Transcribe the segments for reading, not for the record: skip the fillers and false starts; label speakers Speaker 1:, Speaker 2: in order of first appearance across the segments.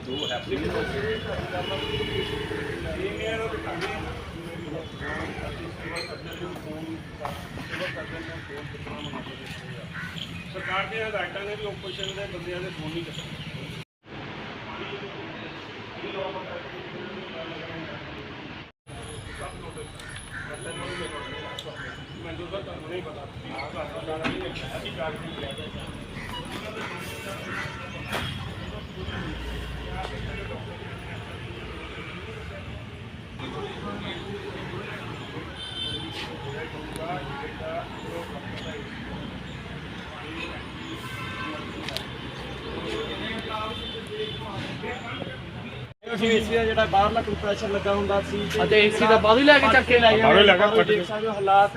Speaker 1: ਸਰਕਾਰ ਦੀਆਂ ਹਦਾਇਤਾਂ ਨੇ ਵੀ ਓਪੋਜੀਸ਼ਨ ਦੇ ਬੰਦਿਆਂ ਦੇ ਫੋਨ ਨਹੀਂ ਚੱਕਣੇ। ਮੈਨੂੰ ਤਾਂ ਤੁਹਾਨੂੰ ਨਹੀਂ ਪਤਾ ਅਸੀਂ ਕਾਰਜ ਨਹੀਂ ਲਿਆ।
Speaker 2: ਏਸੀ ਦਾ ਜਿਹੜਾ ਬਾਹਰਲਾ ਕੰਪਰੈਸ਼ਰ ਲੱਗਾ ਹੁੰਦਾ ਸੀ
Speaker 3: ਅਤੇ ਏਸੀ ਦਾ ਬਾਹਰੋਂ ਹੀ ਲੈ ਕੇ ਚੱਕ ਕੇ ਲੈ
Speaker 1: ਬਾਹਰੋਂ ਲੈ ਕੇ
Speaker 2: ਦੇਖ ਸਕਦੇ ਹੋ ਹਾਲਾਤ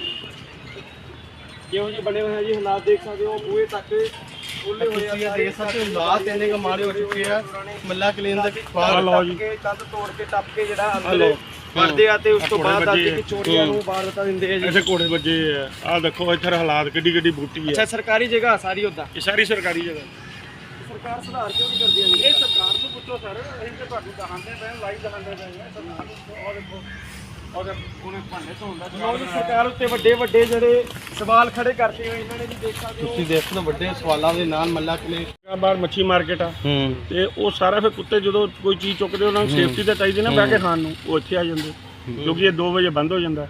Speaker 2: ਕਿਹੋ ਜਿਹੇ ਬਣੇ ਹੋਏ ਆ ਜੀ। ਹਾਲਾਤ ਦੇਖ ਸਕਦੇ ਹੋ ਬੂਹੇ ਤੱਕ ਖੁੱਲੇ ਹੋਏ ਆ।
Speaker 3: ਦੇਖ ਸਕਦੇ ਹੋ ਹਾਲਾਤ ਇੰਨੇ ਕੁ ਮਾੜੇ ਹੋ ਚੁੱਕੇ ਆ। ਮੱਲਾ ਕਲੀਨ ਦਾ
Speaker 2: ਕੰਧ ਤੋੜ ਕੇ ਟੱਪ ਕੇ ਜਿਹੜਾ ਅੰਦਰ ਵੜਦੇ ਆ ਤੇ ਉਸ ਤੋਂ ਬਾਅਦ ਆ ਕੇ ਚੋਰੀਆਂ ਨੂੰ ਵਾਰਦਾਤਾਂ ਦਿੰਦੇ ਆ ਜੀ।
Speaker 1: ਇੱਥੇ ਘੋੜੇ ਵੱਜੇ ਆ। ਆਹ ਦੇਖੋ ਇੱਥੇ ਹਾਲਾਤ ਕਿੱਡੀ ਕਿੱਡੀ ਬੂਟੀ ਹੈ।
Speaker 2: ਅੱਛਾ ਸਰਕਾਰੀ ਜਗ੍ਹਾ ਸਾਰੀ ਉਦਾਂ
Speaker 1: ਇਹ ਸਾਰੀ ਸਰਕਾਰੀ ਜਗ੍ਹਾ।
Speaker 2: ਸਰਕਾਰ ਸੁਧਾਰ ਕਿਉਂ ਨਹੀਂ ਕਰਦੀ ਹੈ?
Speaker 1: ਇਹ ਸਰਕਾਰ ਨੂੰ ਪੁੱਛੋ ਸਰ, ਅਸੀਂ ਤੇ ਤੁਹਾਨੂੰ ਦਿਖਾਉਂਦੇ ਪਏ ਲਾਈਵ ਦਿਖਾਉਂਦੇ ਪਏ ਆ ਸਰਕਾਰ ਨੂੰ। ਉਹ ਦੇਖੋ ਉਹਦੇ ਉਹਨੇ ਭਾਂਡੇ ਧੋਂਦਾ
Speaker 2: ਸਰਕਾਰ ਉੱਤੇ ਵੱਡੇ ਵੱਡੇ ਜਿਹੜੇ ਸਵਾਲ ਖੜੇ ਕਰਦੇ ਹੋਏ ਇਹਨਾਂ ਨੇ ਜੀ ਦੇਖ ਸਕਦੇ ਹੋ।
Speaker 3: ਤੁਸੀਂ ਦੇਖ ਲਓ ਵੱਡੇ ਸਵਾਲਾਂ ਦੇ ਨਾਲ ਮੱਲਾ ਕਲੀਨ
Speaker 1: ਬਾਹਰ ਮੱਛੀ ਮਾਰਕੀਟ ਆ ਤੇ ਉਹ ਸਾਰਾ ਫਿਰ ਕੁੱਤੇ ਜਦੋਂ ਕੋਈ ਚੀਜ਼ ਚੁੱਕਦੇ ਉਹਨਾਂ ਨੂੰ ਸੇਫਟੀ ਤਾਂ ਚਾਹੀਦੀ ਨਾ ਬਹਿ ਕੇ ਖਾਣ ਨੂੰ, ਉਹ ਇੱਥੇ ਆ ਜਾਂਦੇ ਕਿਉਂਕਿ ਇਹ 2 ਵਜੇ ਬੰਦ ਹੋ ਜਾਂਦਾ।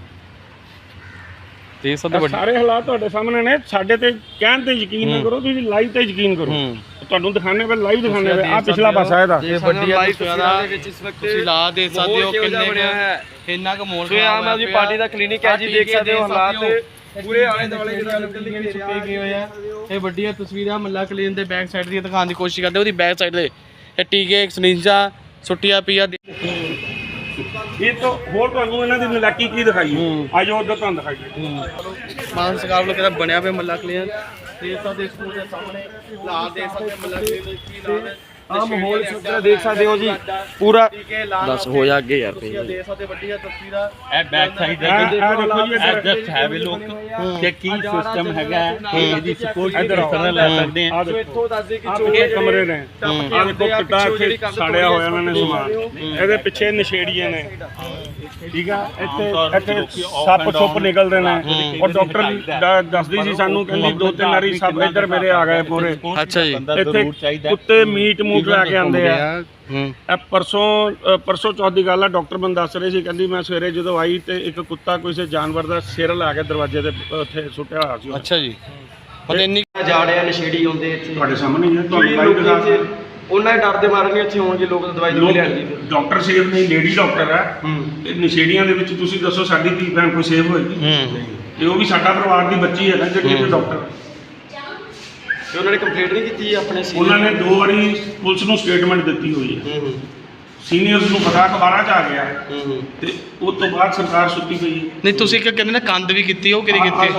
Speaker 3: ਤੇ
Speaker 1: ਸਾਰੇ ਹਾਲਾਤ ਤੁਹਾਡੇ ਸਾਹਮਣੇ ਨੇ। ਸਾਡੇ ਤੇ ਕਹਿਣ ਤੇ ਯਕੀਨ ਨਾ ਕਰੋ, ਤੁਸੀਂ ਲਾਈਵ ਤੇ ਯਕੀਨ ਕਰੋ। ਤੁਹਾਨੂੰ ਦਿਖਾਣੇ ਪਏ, ਲਾਈਵ ਦਿਖਾਣੇ ਪਏ। ਆ ਪਿਛਲਾ ਪਾਸਾ ਇਹਦਾ
Speaker 3: ਇਹ ਵੱਡੀ ਤਸਵੀਰਾਂ ਦੇ ਵਿੱਚ ਇਸ ਵਕਤ ਤੁਸੀਂ ਲਾ ਦੇ ਸਕਦੇ ਹੋ ਕਿੰਨੇ ਇੰਨਾ ਕੁ ਮੋਲ
Speaker 2: ਸੋ ਆਮ ਆਦਮੀ ਪਾਰਟੀ ਦਾ ਕਲੀਨਿਕ ਹੈ ਜੀ। ਦੇਖ ਸਕਦੇ ਹੋ ਹਾਲਾਤ ਪੂਰੇ ਆਲੇ ਦੁਆਲੇ ਜਿਹੜਾ
Speaker 3: ਸੁੱਕੇ ਗਏ ਹੋਏ ਆ। ਇਹ ਵੱਡੀਆਂ ਤਸਵੀਰਾਂ ਮੱਲਾ ਕਲੀਨ ਦੇ ਬੈਕ ਸਾਈਡ ਦੀਆਂ ਦਿਖਾਉਣ ਦੀ ਕੋਸ਼ਿਸ਼ ਕਰਦੇ। ਉਹਦੀ ਬੈਕ ਸਾਈਡ ਤੇ ਇਹ ਟੀਕੇ ਸਰਿੰਜਾਂ ਸੁੱਟੀਆਂ ਪਈਆਂ।
Speaker 1: ਇਹ ਤਾਂ ਹੋਰ ਤੁਹਾਨੂੰ ਇਹਨਾਂ ਦੀ ਨਲਾਇਕੀ ਕੀ ਦਿਖਾਈ ਅੱਜ ਉਧਰ ਤੁਹਾਨੂੰ ਦਿਖਾਈਏ।
Speaker 3: ਮਾਨ ਸਰਕਾਰ ਵੱਲੋਂ ਕਿਹੜਾ ਬਣਿਆ ਪਿਆ ਮੱਲਾ ਕਲੀਨ ਦੇ ਸਕਦੇ ਸਕੂਲ ਦੇ ਸਾਹਮਣੇ ਲਾ ਦੇ ਸਕਦੇ ਮੱਲਾ ਕਲੀਨ ਦੇ ਕੀ ਲਾ
Speaker 2: ਆ ਮਾਹੌਲ ਸੁਧਰਾ ਦੇਖ ਸਕਦੇ ਹੋ ਜੀ ਪੂਰਾ।
Speaker 3: ਦੱਸ ਹੋ ਜਾ ਅੱਗੇ ਯਾਰ ਦੇ ਸਕਦੇ ਵੱਡੀਆਂ ਤਸਵੀਰਾਂ।
Speaker 4: ਇਹ ਬੈਕ ਸਾਈਡ ਐਡਜਸਟ ਹੈ ਵੀ ਲੋਕ ਕਿ ਕੀ ਸਿਸਟਮ ਹੈਗਾ ਇਹਦੀ ਸਪੋਰਟ ਕਿਸ ਲੈ ਸਕਦੇ ਆ।
Speaker 2: ਇੱਥੋਂ ਦੱਸਦੇ ਕਿ
Speaker 1: ਇਹ ਕਮਰੇ ਨੇ। ਆ ਦੇਖੋ ਕਿੱਦਾਂ ਇੱਥੇ ਸਾੜਿਆ ਹੋਇਆ ਇਹਨਾਂ ਨੇ ਸਮਾਨ। ਇਹਦੇ ਪਿੱਛੇ ਨਸ਼ੇੜੀਆਂ ਨੇ, ਠੀਕ ਆ। ਇੱਥੇ ਸੱਪ ਸੁੱਪ ਨਿਕਲਦੇ ਨੇ। ਔਰ ਡਾਕਟਰ ਦੱਸਦੀ ਸੀ ਸਾਨੂੰ, ਕਹਿੰਦੀ 2-3 ਵਾਰੀ ਸੱਪ ਇੱਧਰ ਮੇਰੇ ਆ ਗਏ ਪੂਰੇ।
Speaker 3: ਅੱਛਾ ਜੀ।
Speaker 1: ਇੱਥੇ ਕੁੱਤੇ ਮੀਟ ਲੈ ਕੇ ਆਉਂਦੇ ਆ। ਇਹ ਪਰਸੋਂ ਚੌਥ ਦੀ ਗੱਲ ਆ। ਡਾਕਟਰ ਮੈਨੂੰ ਦੱਸ ਰਹੇ ਸੀ, ਕਹਿੰਦੀ ਮੈਂ ਸਵੇਰੇ ਜਦੋਂ ਆਈ ਤੇ ਇੱਕ ਕੁੱਤਾ ਕਿਸੇ ਜਾਨਵਰ ਦਾ ਸਿਰ ਲਾ ਕੇ ਦਰਵਾਜ਼ੇ ਤੇ ਉੱਥੇ ਸੁੱਟਿਆ ਹੋਇਆ ਸੀ।
Speaker 3: ਅੱਛਾ ਜੀ। ਪਤਾ ਇੰਨੀ
Speaker 2: ਜਾੜਿਆ ਨਸ਼ੇੜੀ ਆਉਂਦੇ ਇੱਥੇ
Speaker 1: ਤੁਹਾਡੇ ਸਾਹਮਣੇ ਹੀ ਹੈ। ਤੁਹਾਨੂੰ
Speaker 2: ਉਹਨਾਂ ਦੇ ਡਰ ਦੇ ਮਾਰੇ ਨਹੀਂ ਇੱਥੇ ਹੋਣਗੇ ਲੋਕ। ਦਵਾਈ ਨਹੀਂ ਲੈਣਗੇ।
Speaker 1: ਡਾਕਟਰ ਸੇਫ ਨਹੀਂ, ਲੇਡੀ ਡਾਕਟਰ ਹੈ। ਤੇ ਨਸ਼ੇੜੀਆਂ ਦੇ ਵਿੱਚ ਤੁਸੀਂ ਦੱਸੋ ਸਾਡੀ ਧੀ ਭੈਣ ਕੋਈ ਸੇਫ ਹੋਏਗੀ? ਤੇ ਉਹ ਵੀ ਸਾਡਾ ਪਰਿਵਾਰ ਦੀ ਬੱਚੀ ਹੈ ਨਾ ਜਿਹੜੀ ਇੱਥੇ ਡਾਕਟਰ।
Speaker 2: ਤੇ ਉਹਨਾਂ ਨੇ ਕੰਪਲੇਂਟ ਨਹੀਂ ਕੀਤੀ ਆਪਣੇ ਸੀ?
Speaker 1: ਉਹਨਾਂ ਨੇ 2 ਵਾਰੀ ਪੁਲਿਸ ਨੂੰ ਸਟੇਟਮੈਂਟ ਦਿੱਤੀ ਹੋਈ ਹੈ। ਸੀਨੀਅਰਸ ਨੂੰ ਪਤਾ ਅਖਬਾਰਾਂ 'ਚ ਆ ਗਿਆ ਤੇ ਉਸ ਤੋਂ ਬਾਅਦ ਸਰਕਾਰ ਸੁੱਤੀ ਪਈ ਹੈ।
Speaker 3: ਨਹੀਂ ਤੁਸੀਂ ਕਹਿੰਦੇ ਨਾ ਕੰਧ ਵੀ ਕੀਤੀ, ਉਹ ਕਿਹੜੀ ਕੀਤੀ?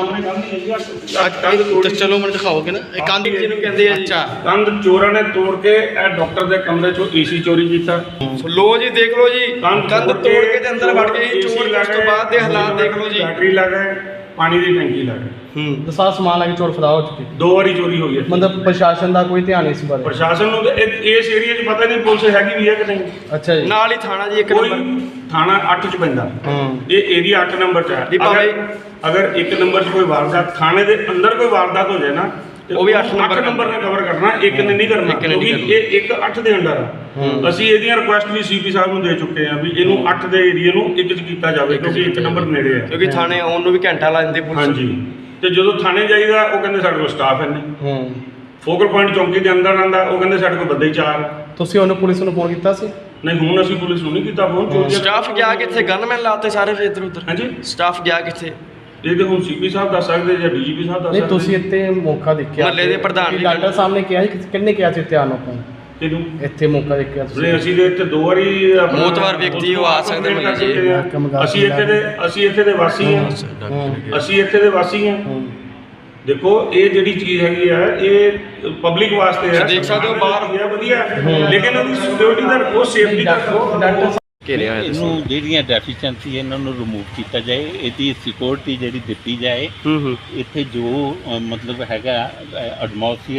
Speaker 3: ਚਲੋ ਮੈਨੂੰ ਦਿਖਾਓਗੇ ਨਾ ਇਹ ਕੰਧ
Speaker 2: ਜਿਹਨੂੰ ਕਹਿੰਦੇ ਆ ਜੀ।
Speaker 3: ਅੱਛਾ।
Speaker 1: ਕੰਧ ਚੋਰਾਂ ਨੇ ਤੋੜ ਕੇ ਇਹ ਡਾਕਟਰ ਦੇ ਕਮਰੇ 'ਚੋਂ ਏਸੀ ਚੋਰੀ ਕੀਤਾ।
Speaker 2: ਲੋ ਜੀ ਦੇਖ ਲਓ ਜੀ, ਕੰਧ ਤੋੜ ਕੇ ਤੇ ਅੰਦਰ ਵੜ ਕੇ ਚੋਰ। ਉਸ ਤੋਂ ਬਾਅਦ ਦੇ ਹਾਲਾਤ ਦੇਖ ਲਓ ਜੀ।
Speaker 1: ਬੈਟਰੀ ਲਾ ਗਏ, ਪਾਣੀ ਦੀ ਟੈਂਕੀ ਲਾ ਗਏ।
Speaker 3: ਸਾਰਾ ਸਮਾਨ ਲਾ ਕੇ ਚੋਰ ਫੜਾ ਹੋ ਚੁੱਕੇ।
Speaker 1: 2 ਵਾਰੀ ਚੋਰੀ ਹੋਈ ਹੈ।
Speaker 3: ਮਤਲਬ ਪ੍ਰਸ਼ਾਸਨ ਦਾ ਕੋਈ ਧਿਆਨ ਨਹੀਂ ਇਸ ਬਾਰੇ?
Speaker 1: ਪ੍ਰਸ਼ਾਸਨ ਨੂੰ ਤਾਂ ਇਸ ਏਰੀਆ 'ਚ ਪਤਾ ਨਹੀਂ ਪੁਲਿਸ ਹੈਗੀ ਵੀ ਹੈ ਕਿ ਨਹੀਂ।
Speaker 3: ਅੱਛਾ ਜੀ।
Speaker 2: ਨਾਲ ਹੀ ਥਾਣਾ ਜੀ ਇੱਕ
Speaker 1: ਕੋਈ
Speaker 2: ਨੰਬਰ।
Speaker 1: ਥਾਣਾ 8 'ਚ ਪੈਂਦਾ। ਇਹ ਏਰੀਆ 8 ਨੰਬਰ 'ਚ ਹੈ। ਅਗਰ 1 ਨੰਬਰ 'ਚ ਕੋਈ ਵਾਰਦਾਤ, ਥਾਣੇ ਦੇ ਅੰਦਰ ਕੋਈ ਵਾਰਦਾਤ ਹੋ ਜਾਏ ਨਾ,
Speaker 2: ਉਹ ਵੀ 8
Speaker 1: ਨੰਬਰ ਨੇ ਕਵਰ ਕਰਨਾ, 1 ਨੇ ਨਹੀਂ ਕਰਨਾ। ਕਿਉਂਕਿ ਇਹ 1 8 ਦੇ ਅੰਡਰ ਆ। ਅਸੀਂ ਇਹਦੀਆਂ ਰਿਕੁਐਸਟ ਵੀ ਸੀਪੀ ਸਾਹਿਬ ਨੂੰ ਦੇ ਚੁੱਕੇ ਆ ਵੀ ਇਹਨੂੰ 8 ਦੇ ਏਰੀਆ ਨੂੰ 1 'ਚ ਕੀਤਾ ਜਾਵੇ ਕਿਉਂਕਿ 1 ਨੰਬਰ ਨੇੜੇ ਆ।
Speaker 2: ਕਿਉਂਕਿ ਥਾਣੇ ਆਉਣ ਨੂੰ ਵੀ ਘੰਟਾ ਲਾ ਦਿੰਦੇ ਪੁਲਿਸ।
Speaker 1: ਹਾਂਜੀ। ਤੇ ਜਦੋਂ ਥਾਣੇ ਜਾਈਦਾ ਉਹ ਕਹਿੰਦੇ ਸਾਡੇ ਕੋਲ ਸਟਾਫ ਹੈ ਨਹੀਂ। ਫੋਕਲ ਪੁਆਇੰਟ ਚੌਂਕੀ ਦੇ ਅੰਦਰ ਆਂਦਾ, ਉਹ ਕਹਿੰਦੇ ਸਾਡੇ ਕੋਲ ਬੰਦੇ ਹੀ 4।
Speaker 3: ਤੁਸੀਂ ਉਹਨੂੰ ਪੁਲਿਸ ਨੂੰ ਫੋਨ ਕੀਤਾ ਸੀ?
Speaker 1: ਨਹੀਂ, ਹੁਣ ਅਸੀਂ ਪੁਲਿਸ ਨੂੰ ਨਹੀਂ ਕੀਤਾ ਫੋਨ।
Speaker 2: ਸਟਾਫ ਗਿਆ ਕਿੱਥੇ? ਗਨਮੈਨ ਲਾਤੇ ਸਾਰੇ ਫਿਰ ਇੱਧਰ ਉੱਧਰ।
Speaker 1: ਹਾਂਜੀ।
Speaker 2: ਸਟਾਫ ਗਿਆ ਕਿੱਥੇ?
Speaker 1: ਇਹ ਤੇ ਹੁਣ ਸੀਪੀ ਸਾਹਿਬ ਦੱਸ ਸਕਦੇ ਜਾਂ ਡੀਜੀਪੀ ਸਾਹਿਬ ਦੱਸ ਸਕਦੇ।
Speaker 3: ਨਹੀਂ ਤੁਸੀਂ ਇੱਥੇ ਮੌਕਾ ਦੇਖਿਆ?
Speaker 2: ਮਹੱਲੇ ਦੇ ਪ੍ਰਧਾਨ ਵੀ
Speaker 3: ਡਾਕਟਰ ਸਾਹਿਬ ਨੇ ਕਿਹਾ ਸੀ, ਕਿੰਨੇ ਕਿਹਾ ਸੀ ਧਿਆਨ ਆਪਾਂ
Speaker 1: ਇਹਨੂੰ
Speaker 3: ਇੱਥੇ ਮੌਕਾ ਦੇਖਿਆ ਤੁਸੀਂ?
Speaker 1: ਅਸੀਂ ਦੇ ਇੱਥੇ 2 ਵਾਰੀ
Speaker 2: ਮੌਤਵਾਰ ਵਿਅਕਤੀ ਉਹ ਆ ਸਕਦੇ ਮਹੱਲੇ 'ਚ।
Speaker 1: ਅਸੀਂ ਇੱਥੇ ਦੇ ਵਾਸੀ ਹਾਂ। ਅਸੀਂ ਇੱਥੇ ਦੇ ਵਾਸੀ ਹਾਂ। ਦੇਖੋ ਇਹ ਜਿਹੜੀ ਚੀਜ਼ ਹੈਗੀ ਆ ਇਹ ਪਬਲਿਕ ਵਾਸਤੇ ਹੈ।
Speaker 2: ਦੇਖ ਸਕਦੇ ਹੋ ਬਾਹਰ
Speaker 1: ਵਧੀਆ, ਲੇਕਿਨ ਉਹਦੀ ਸਿਕਿਉਰਿਟੀ ਦਾ ਉਹ ਸੇਫਟੀ ਦਾ
Speaker 3: ਡਾਕਟਰ
Speaker 2: ਘੇਰਿਆ ਹੋਇਆ
Speaker 4: ਇਹਨੂੰ ਜਿਹੜੀਆਂ ਡੈਫੀਸ਼ੀਐਂਸੀ ਇਹਨਾਂ ਨੂੰ ਰਿਮੂਵ ਕੀਤਾ ਜਾਏ, ਇਹਦੀ ਸਿਕਿਉਰਿਟੀ ਜਿਹੜੀ ਦਿੱਤੀ ਜਾਏ। ਇੱਥੇ ਜੋ ਮਤਲਬ ਹੈਗਾ ਐਟਮੋਸਫੀਅਰ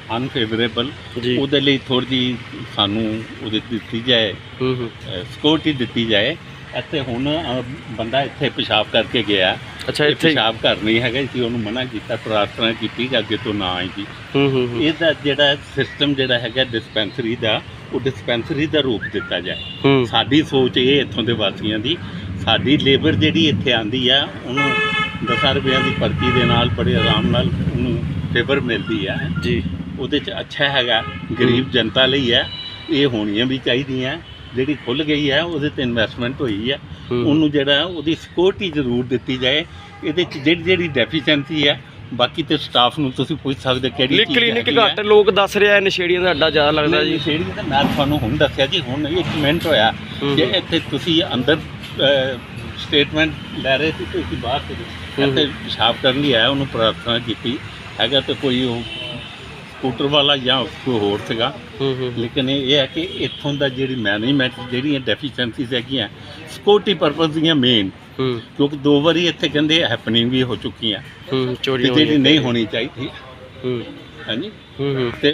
Speaker 4: ਅਨਫੇਵਰੇਬਲ
Speaker 3: ਜੀ।
Speaker 4: ਉਹਦੇ ਲਈ ਥੋੜ੍ਹੀ ਜਿਹੀ ਸਾਨੂੰ ਉਹਦੇ ਦਿੱਤੀ ਜਾਏ, ਸਿਕਿਉਰਿਟੀ ਦਿੱਤੀ ਜਾਏ। ਇੱਥੇ ਹੁਣ ਬੰਦਾ ਇੱਥੇ ਪਿਸ਼ਾਬ ਕਰਕੇ ਗਿਆ,
Speaker 3: ਅੱਛਾ
Speaker 4: ਇਹ
Speaker 3: ਇੱਥੇ
Speaker 4: ਪਿਸ਼ਾਬ ਘਰ ਨਹੀਂ ਹੈਗਾ ਸੀ, ਉਹਨੂੰ ਮਨਾ ਕੀਤਾ, ਪ੍ਰਾਰਥਨਾ ਕੀਤੀ ਕਿ ਅੱਗੇ ਤੋਂ ਨਾ ਆਏ ਜੀ।
Speaker 3: ਹੂੰ
Speaker 4: ਇਹਦਾ ਜਿਹੜਾ ਸਿਸਟਮ ਜਿਹੜਾ ਹੈਗਾ ਡਿਸਪੈਂਸਰੀ ਦਾ, ਉਹ ਡਿਸਪੈਂਸਰੀ ਦਾ ਰੂਪ ਦਿੱਤਾ ਜਾਏ।
Speaker 3: ਹੂੰ
Speaker 4: ਸਾਡੀ ਸੋਚ ਇਹ ਇੱਥੋਂ ਦੇ ਵਾਸੀਆਂ ਦੀ, ਸਾਡੀ ਲੇਬਰ ਜਿਹੜੀ ਇੱਥੇ ਆਂਦੀ ਆ ਉਹਨੂੰ 10 ਰੁਪਈਆਂ ਦੀ ਪਰਚੀ ਦੇ ਨਾਲ ਬੜੇ ਆਰਾਮ ਨਾਲ ਉਹਨੂੰ ਫੇਵਰ ਮਿਲਦੀ ਆ
Speaker 3: ਜੀ।
Speaker 4: ਉਹਦੇ 'ਚ ਅੱਛਾ ਹੈਗਾ, ਗਰੀਬ ਜਨਤਾ ਲਈ ਹੈ, ਇਹ ਹੋਣੀਆਂ ਵੀ ਚਾਹੀਦੀਆਂ। ਜਿਹੜੀ ਖੁੱਲ੍ਹ ਗਈ ਹੈ ਉਹਦੇ 'ਤੇ ਇਨਵੈਸਟਮੈਂਟ ਹੋਈ ਹੈ, ਉਹਨੂੰ ਜਿਹੜਾ ਉਹਦੀ ਸਿਕਿਉਰਿਟੀ ਜ਼ਰੂਰ ਦਿੱਤੀ ਜਾਏ। ਇਹਦੇ 'ਚ ਜਿਹੜੀ ਡੈਫੀਸ਼ੈਂਸੀ ਹੈ, ਬਾਕੀ ਤੇ ਸਟਾਫ ਨੂੰ ਤੁਸੀਂ ਪੁੱਛ ਸਕਦੇ ਕਿਹੜੀ ਚੀਜ਼
Speaker 2: ਕਲੀਨਿਕ ਘੱਟ ਲੋਕ ਦੱਸ ਰਿਹਾ ਨਸ਼ੇੜੀਆਂ ਦਾ ਅੱਡਾ ਜ਼ਿਆਦਾ ਲੱਗਦਾ ਜੀ।
Speaker 4: ਨਸ਼ੇੜੀ ਤਾਂ ਮੈਂ ਤੁਹਾਨੂੰ ਹੁਣ ਦੱਸਿਆ ਜੀ, ਹੁਣ ਇੱਕ ਮਿੰਟ ਹੋਇਆ ਕਿ ਇੱਥੇ ਤੁਸੀਂ ਅੰਦਰ ਸਟੇਟਮੈਂਟ ਲੈ ਰਹੇ ਸੀ, ਤੁਸੀਂ ਬਾਹਰ ਸੀ, ਇੱਥੇ ਪਿਸ਼ਾਬ ਕਰਨ ਲਈ ਆਇਆ, ਉਹਨੂੰ ਪ੍ਰਾਰਥਨਾ ਕੀਤੀ ਹੈਗਾ ਤੇ ਕੋਈ ਉਹ ਸਕੂਟਰ ਵਾਲਾ ਜਾਂ ਕੋਈ ਹੋਰ ਸੀਗਾ। ਲੇਕਿਨ ਇਹ ਹੈ ਕਿ ਇੱਥੋਂ ਦਾ ਜਿਹੜੀ ਮੈਨੇਜਮੈਂਟ, ਜਿਹੜੀਆਂ ਡੈਫੀਸ਼ੈਂਸੀਜ਼ ਹੈਗੀਆਂ ਸਿਕਿਉਰਿਟੀ ਪਰਪਸ ਦੀਆਂ ਮੇਨ, ਕਿਉਂਕਿ 2 ਵਾਰੀ ਇੱਥੇ ਕਹਿੰਦੇ ਹੈਪਨਿੰਗ ਵੀ ਹੋ ਚੁੱਕੀਆਂ,
Speaker 3: ਚੋਰੀ
Speaker 4: ਜਿਹੜੀ ਨਹੀਂ ਹੋਣੀ ਚਾਹੀਦੀ। ਹਾਂਜੀ, ਤੇ